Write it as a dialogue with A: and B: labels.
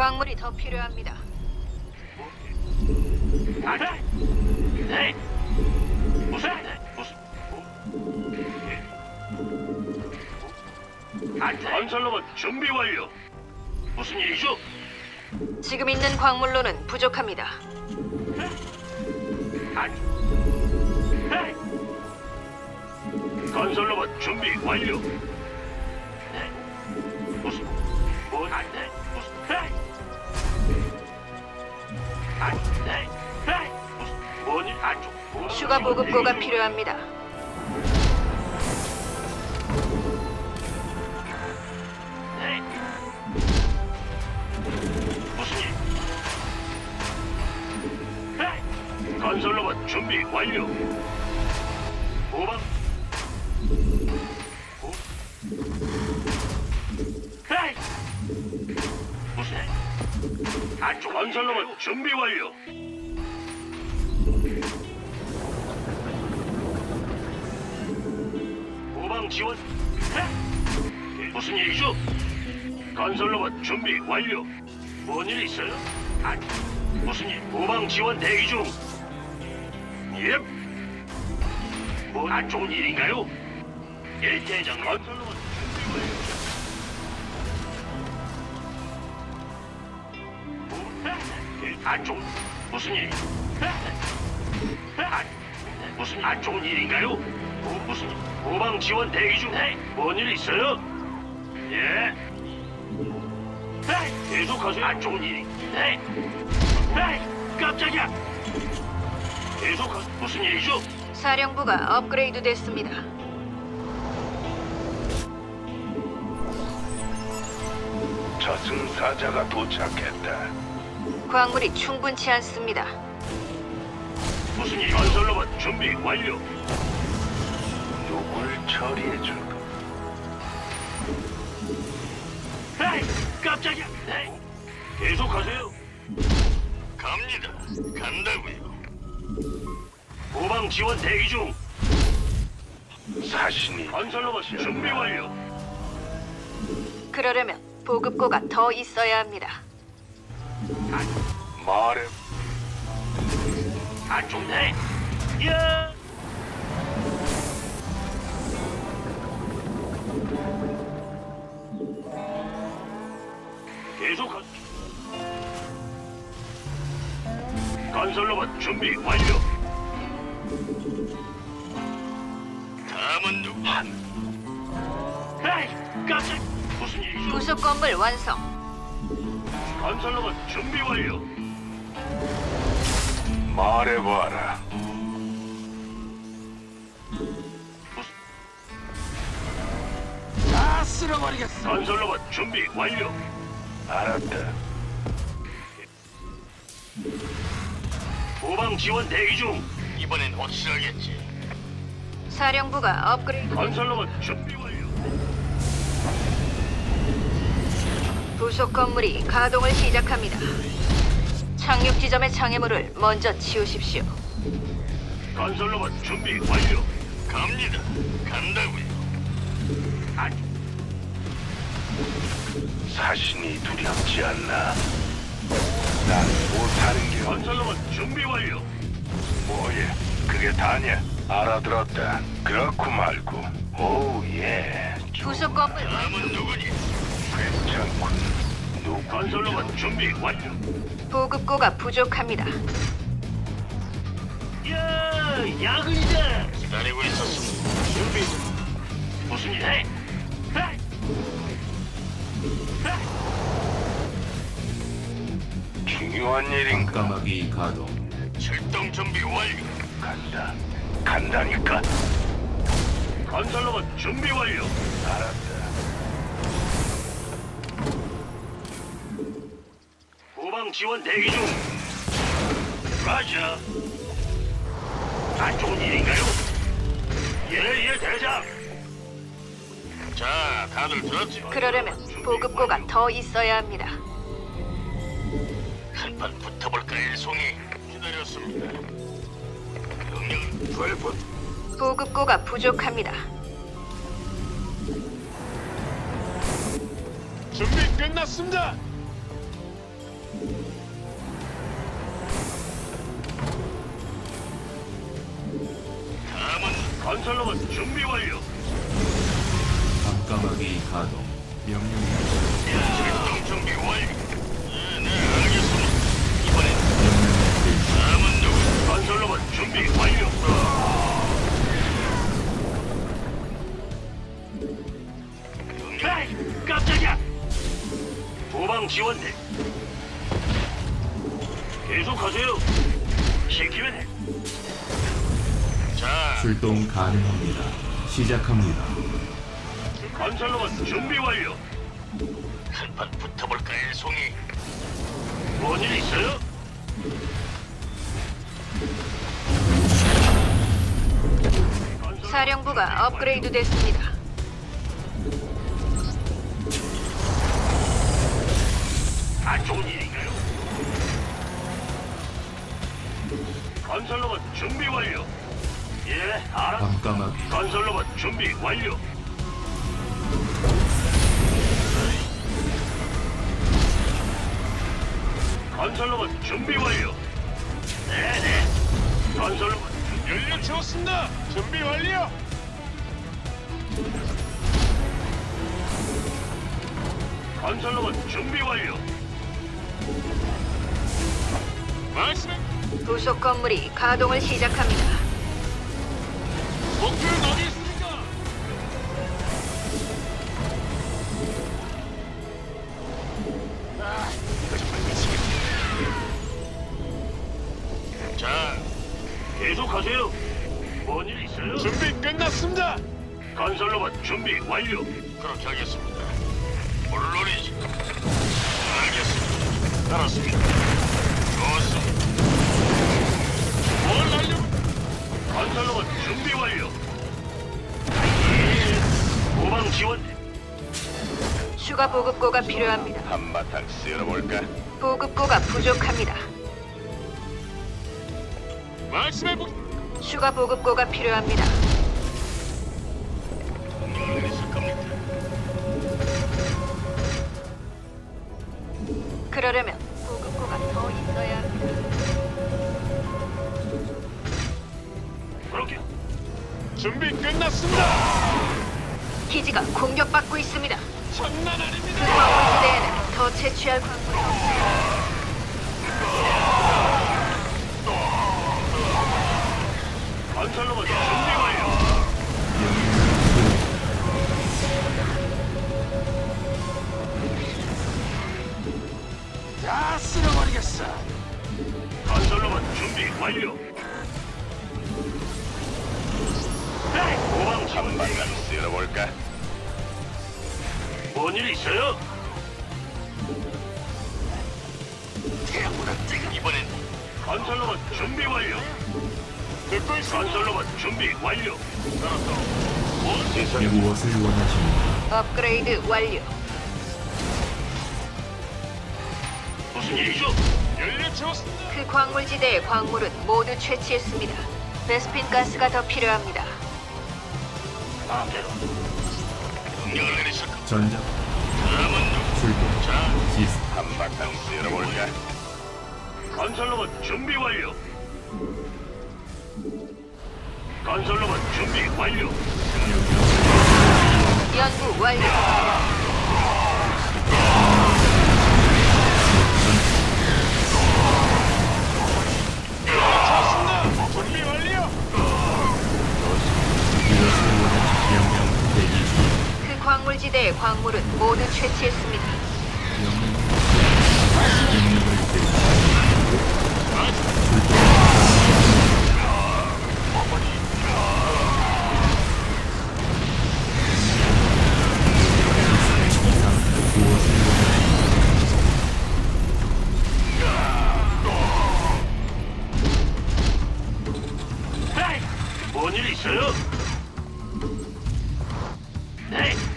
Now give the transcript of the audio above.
A: 광물이 더 필요합니다.
B: 네. 무슨 건설로봇 준비 완료. 무슨 일이죠?
A: 지금 있는 광물로는 부족합니다.
B: 건설로봇 준비 완료. 무슨 안 돼? 무슨 무슨 뭐니 안쪽
A: 추가 보급고가 필요합니다.
B: 무슨 일? 건설로봇 준비 완료. 오방. 무슨 일? 안쪽 건설로봇 준비 완료. 오방 지원. 무슨 일이죠? 건설로봇 준비 완료. 뭔 일 있어요? 무슨 일? 오방 지원 대기 중. 예. 뭐안 좋은 일인가요? 일대장 건설로봇 준비 완료. 안 좋은 무슨 일? 무슨 안 좋은 일인가요? 무슨 오방 지원 대기 중. 뭔일 있어요? 예. 계속하세요. 안 좋은 일이. 깜짝이야. 계속하. 무슨 일이죠?
A: 사령부가 업그레이드 됐습니다.
C: 저승사자가 도착했다.
A: 광물이 충분치 않습니다.
B: 무슨 일? 건설로봇 준비 완료.
C: 누굴 처리해줄까?
B: 깜짝이야. 계속하세요. 갑니다. 간다고요. 후방 지원 대기 중.
C: 사신이
B: 건설로봇 준비 완료.
A: 그러려면 보급고가 더 있어야 합니다.
C: 말해.
B: 안 좋네. 야. 계속하. 건설로봇 준비 완료. 다음은 누구? 에이, 깜짝. 무슨 일이죠?
A: 부속 건물 완성.
B: 건설로봇 준비 완료.
C: 말해봐라.
B: 다 쓸어버리겠어. 건설로봇 준비 완료.
C: 알았다.
B: 후방 지원 대기 중. 이번엔 확실하겠지.
A: 사령부가 업그레이드.
B: 건설로봇 준비 완료.
A: 부속 건물이 가동을 시작합니다. 착륙 지점의 장애물을 먼저 치우십시오.
B: 건설로봇 준비 완료. 갑니다. 간다고요.
C: 사신이 두렵지 않나? 난 못하는 게
B: 건설로봇 준비 완료.
C: 뭐예? 그게 다냐? 알아들었다. 그렇고 말고. 오 예.
A: 부속 건물
B: 다음은 누구니?
C: 괜찮군. 누구?
B: 건설로봇 준비 완료.
A: 보급고가 부족합니다.
B: 야, 야근이다. 기다리고 있었습니다. 준비. 무슨 일 해?
C: 중요한 일인가?
D: 까마귀 가동.
B: 출동 준비 완료.
C: 간다. 간다니까.
B: 건설로봇 준비 완료.
C: 알았다.
B: 후방 지원 대기 중. 라자. 안 좋은 일인가요? 예, 대장. 자, 다들 들었지?
A: 그러려면 보급고가 더 있어야 합니다.
B: 한판 붙어볼까, 일송이. 기다렸습니다. 명령은 불붙.
A: 보급고가 부족합니다.
B: 준비 끝났습니다. 다음은 건설로봇 준비 완료.
D: 밤까마귀 가동. 명령.
B: 출동 준비 완료. 네, 알겠습니다. 이번엔
D: 명령을 내리시.
B: 다음은 누구? 건설로봇 준비 완료. 에이, 깜짝이야. 도방 지원대. 계속하세요. 시키면 해. 자,
D: 출동 가능합니다. 시작합니다.
B: 건설로봇 준비 완료. 한판 붙어볼까, 일송이? 뭔일 있어요?
A: 사령부가 업그레이드 됐습니다.
B: 안 좋은 일인가요? 건설로봇 준비 완료. 예, 알아.
D: 밤까마귀.
B: 건설로봇 준비 완료. 건설로봇 준비 완료. 네네. 건설로봇 연료 채웠습니다. 준비 완료. 건설로봇 준비 완료. 말씀해.
A: 부속 건물이 가동을 시작합니다.
B: 목표는 어디 있습니까? 자, 계속하세요. 뭔 일 있어요?
E: 준비 끝났습니다.
B: 건설로봇 준비 완료. 그렇게 하겠습니다. 물론이지. 알겠습니다. 알았습니다. 좋습니다. 뭘 날려? 건설로봇 준비 완료. 도방 지원.
A: 추가 보급고가 필요합니다.
C: 한바탕 쓸어볼까?
A: 보급고가 부족합니다.
B: 말씀해 보.
A: 추가 보급고가 필요합니다.
B: 있을 겁니다.
A: 그러려면 보급고가 더 있어야 합니다.
B: 그렇게.
E: 준비 끝났습니다.
A: 기지가 공격받고 있습니다.
E: 장난
A: 그
E: 아닙니다.
A: 광물지대에는 더 채취할 광물이 없습니다.
B: 건설로봇 준비 완료.
E: 다 쓸어버리겠어.
B: 건설로봇 준비 완료. 도방 지원.
C: 한바탕 쓸어볼까?
B: 뭔일 있어요? 이번엔 건설로봇 준비 완료.
E: 듣고 있습니다.
B: 건설로봇 준비 완료.
D: 무엇을 원하십니까?
A: 업그레이드 완료.
B: 무슨 일이죠?
E: 연료 채웠습니다.
A: 그 광물지대의 광물은 모두 채취했습니다. 베스핀 가스가 더 필요합니다.
B: 마음대로. 명령을 내리실 겁니다.
D: 전장
B: 다음은 누구?
D: 출동.
B: 자,
D: 시스템.
C: 한바탕 쓸어볼까?
B: 건설로봇 준비 완료. 건설로봇 준비 완료.
A: 연구 완료.
E: 채웠습니다. 준비 완료.
D: 무엇을 원하십니까? 명령 대기 중.
A: 그 광물지대의 광물은 모두 채취했습니다.
D: 명령을 내리시. 이상 무엇을
B: 에이, 뭔일 있어요? 네,